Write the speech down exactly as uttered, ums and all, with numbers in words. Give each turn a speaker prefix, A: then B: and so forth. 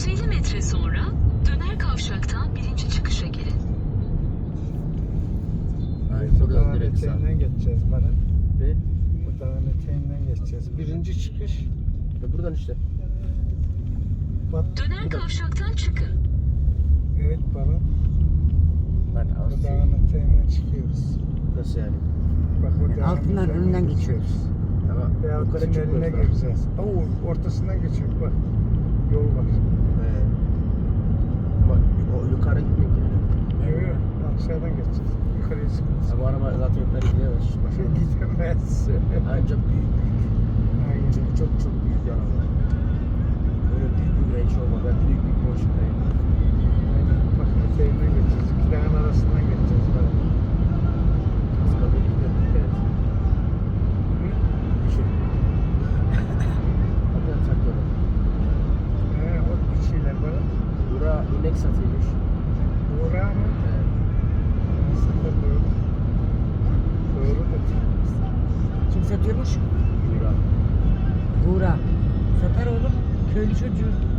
A: yüz elli metre sonra döner kavşaktan birinci çıkışa girin.
B: Aynen buradan
C: Dağın
B: direkt sağ.
C: eteğinden geçeceğiz bana.
B: Ne?
C: Bu dağın eteğinden geçeceğiz. Birinci çıkış.
B: Ya buradan işte.
C: Bak,
A: Döner kavşaktan çıkın.
C: evet bana.
B: Ben
C: Bu
B: Asya.
C: dağın eteğinden çıkıyoruz.
B: Nasıl yani?
C: Bak o dağın
D: Altından
C: eteğinden
D: önünden geçiyoruz.
B: Ama
C: Veya
B: yukarı
C: tüneline
B: çıkmıyoruz daha.
C: gireceğiz. Oo, ortasından geçiyor bak. Yol var.
B: He. Ama o yukarı gitmiyor ki.
C: Evet. Evet. Aşağıdan geçeceğiz. Yukarıya çıkacağız.
B: Ya bu araba zaten yukarı gidemez.
C: Başka gidemez.
B: Ancak büyük büyük.
C: Aynen.
B: Çünkü çok çok büyük bir araba. Böyle büyük bir range olma. Ben büyük bir Porsche'dayım.
C: Aynen. Bak eteğinden geçeceğiz. İki dağın arasından geçeceğiz böyle.
B: Kaskada gidiyor. Evet. Düşün. Bakın traktörü.
C: He, o bir şeyler böyle.
B: Bura inek satıyormuş.
C: Uğra mı?
B: He.
C: Aslında doğru. Doğru da.
D: Kim satıyormuş?
B: Bura.
D: Buğra. Satar oğlum. Köylü çocuğu.